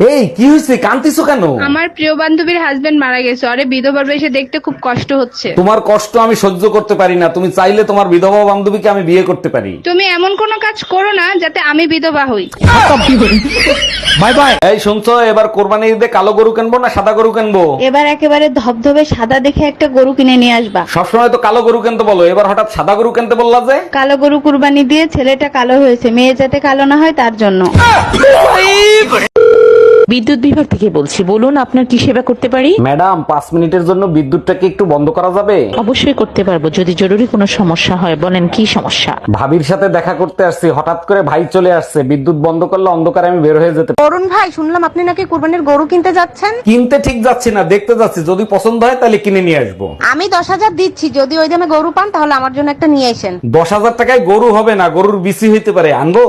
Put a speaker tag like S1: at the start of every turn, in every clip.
S1: এই কি হয়েছে, কান্তিছো কেন?
S2: আমার প্রিয় বান্ধবীর হাজবেন্ড মারা গেছে, আরে বিধবা বেশে দেখতে খুব কষ্ট হচ্ছে।
S1: তোমার কষ্ট আমি সহ্য করতে পারি না, তুমি চাইলে তোমার বিধবা বান্ধবীকে আমি বিয়ে করতে পারি।
S2: তুমি এমন কোনো কাজ করো না যাতে আমি বিধবা হই।
S1: Bye bye. এই শুনছো, এবার কোরবানি ঈদে কালো গরু কিনবো না সাদা গরু কিনবো?
S3: এবার একেবারে ধবধবে সাদা দেখে একটা গরু কিনে নিয়ে আসবা।
S1: সবসময় তো কালো গরু কিনতে বলো, এবার হঠাৎ সাদা গরু কিনতে বললা যে?
S3: কালো গরু কুরবানি দিয়ে ছেলেটা কালো হয়েছে, মেয়ে যাতে কালো না হয় তার জন্য।
S4: বিদ্যুৎ বিভাগ থেকে বলছি, বলুন আপনার কি সেবা করতে পারি?
S1: ম্যাডাম 5 মিনিটের জন্য বিদ্যুৎটাকে একটু বন্ধ করা যাবে?
S4: অবশ্যই করতে পারবো, যদি জরুরি কোনো সমস্যা হয়। বলেন কি সমস্যা?
S1: ভাবির সাথে দেখা করতে আসছি, হঠাৎ করে ভাই চলে আসছে, বিদ্যুৎ বন্ধ করলে অন্ধকারে আমি বের হয়ে যেতে।
S5: অরুণ ভাই, শুনলাম আপনি নাকি কুরবানির গরু কিনতে যাচ্ছেন।
S1: কিনতে ঠিক যাচ্ছি না, দেখতে যাচ্ছি, যদি পছন্দ হয় তাহলে কিনে নিয়ে আসবো।
S5: আমি 10,000 দিচ্ছি, যদি ওই দামে গরু পান তাহলে আমার জন্য একটা নিয়ে আসেন।
S1: 10,000 টাকায় গরু হবে না, গরুর বিসি হইতে পারে, আনবো?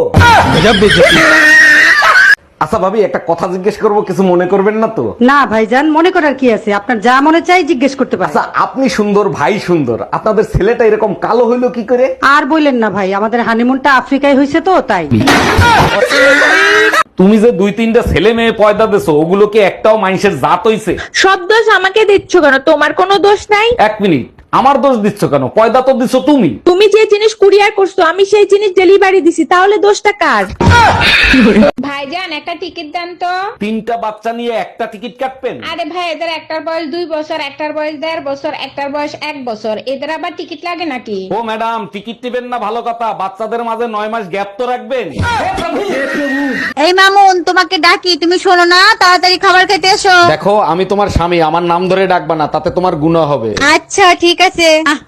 S1: আচ্ছা ভাবি, একটা কথা জিজ্ঞেস করবো, কিছু মনে করবেন না তো?
S6: না ভাইজান, মনে করার কি আছে, আপনার যা মনে চাই জিজ্ঞেস করতে পারেন।
S1: আচ্ছা, আপনি সুন্দর, ভাই সুন্দর, আপনাদের ছেলেটা এরকম কালো হইলো কি করে?
S6: আর বললেন না ভাই, আমাদের হানিমুনটা আফ্রিকায় হয়েছে তো তাই।
S1: তুমি যে 2-3টা ছেলে মেয়ে পয়দা দেছো, ওগুলো কি একটাও মানুষের জাত হইছে?
S4: সব দোষ আমাকে দিচ্ছ কেন? তোমার কোনো দোষ নাই।
S1: 1 মিনিট, আমার দোষ দিচ্ছ কেন? পয়দা তো দিছো তুমি।
S4: তুমি যে জিনিস কুরিয়ার করছো আমি সেই জিনিস ডেলিভারি দিছি, তাহলে দোষটা কার?
S2: ভাইজান একটা টিকিট দেন তো।
S1: 3টা বাচ্চা নিয়ে একটা টিকিট কাটবেন?
S2: আরে ভাই, এদের একটার বয়স 2 বছর, একটার বয়স 1.5 বছর, একটার বয়স 1 বছর, এদের আবার টিকিট লাগে নাকি?
S1: ও ম্যাডাম, টিকিট নেবেন না ভালো কথা, বাচ্চাদের মাঝে 9 মাস গ্যাপ তো রাখবেন।
S5: এই মামুন, তোমাকে ডাকি, তুমি শোনো না, তাড়াতাড়ি খাবার খেতে এসো।
S1: দেখো, আমি তোমার স্বামী, আমার নাম ধরে ডাকবা না, তাতে তোমার গুনাহ হবে।
S5: আচ্ছা ঠিক আছে।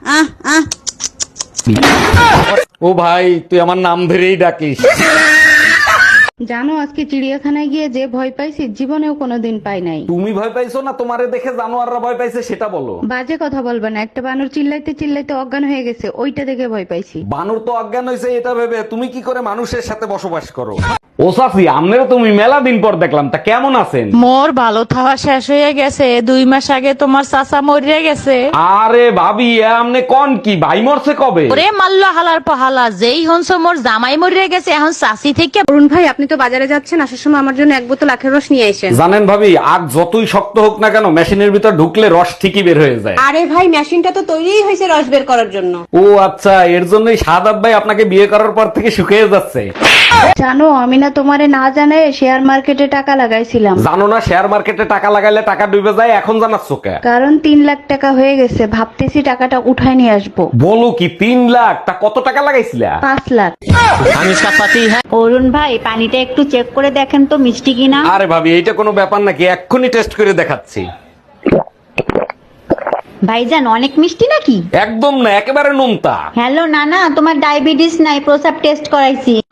S1: ও ভাই, তুই আমার নাম ধরেই ডাকিস।
S3: জানো আজকে চিড়িয়াখানায় গিয়ে যে ভয় পাইছি জীবনেও কোনোদিন পাই নাই।
S1: তুমি ভয় পাইছো না তোমারে দেখে জানোয়াররা ভয় পাইছে সেটা বলো।
S3: বাজে কথা বলবে না, একটা বানর চিল্লাইতে চিল্লাইতে অজ্ঞান হয়ে গেছে, ওইটা দেখে ভয় পাইছি।
S1: বানর তো অজ্ঞান হয়েছে এটা ভেবে তুমি কি করে মানুষের সাথে বসবাস করো? ও সাফি, আমনেরও তুমি মেলা দিন পর দেখলাম, তা কেমন আছেন?
S4: মোর ভালো থাওয়া শেষ হয়ে গেছে, 2 মাস আগে তোমার চাচা মরিয়া গেছে।
S1: আরে ভাবি, আমনে কোন কি, ভাই মরছে কবে?
S4: ওরে মাল্লা হালার পাহালা, যেই হনস মোর জামাই মরিয়া গেছে, এখন চাচি থেকে।
S5: অরুণ ভাই, আপনি তো বাজারে যাচ্ছেন, আসার সময় আমার জন্য 1 বোতল আখের রস নিয়ে আসেন।
S1: জানেন ভাবি, আগ যতই শক্ত হোক না কেন, মেশিনের ভিতর ঢুকলে রস ঠিকই বের হয়ে যায়।
S5: আরে ভাই, মেশিনটা তো তৈরিই হয়েছে রস বের করার জন্য।
S1: ও আচ্ছা, এর জন্যই শাহাদাত ভাই আপনাকে বিয়ে করার পর থেকে শুকিয়ে যাচ্ছে।
S3: জানো আমি না তোমারে না জানায় শেয়ার মার্কেটে টাকা লাগাইছিলাম।
S1: জানো না শেয়ার মার্কেটে টাকা লাগাইলে টাকা ডুবে যায়, এখন জানাচ্ছ কে?
S3: কারণ 3 লাখ টাকা হয়ে গেছে, ভাবতেছি টাকাটা উঠায় নিয়ে আসবো।
S1: বলো কি, 3 লাখ? তা কত টাকা লাগাইছিলা?
S3: 5 লাখ।
S1: আমি সাপাতি।
S3: অরুণ ভাই, পানিটা একটু চেক করে দেখেন তো মিষ্টি কিনা।
S1: আরে ভাবি, এইটা কোনো ব্যাপার নাকি, এক্ষুনি টেস্ট করে দেখাচ্ছি।
S3: ভাইজান অনেক মিষ্টি নাকি?
S1: একদম না, একেবারে নোনতা।
S3: হ্যালো নানা, তোমার ডায়াবেটিস নাই, প্রসাব টেস্ট করাইছি।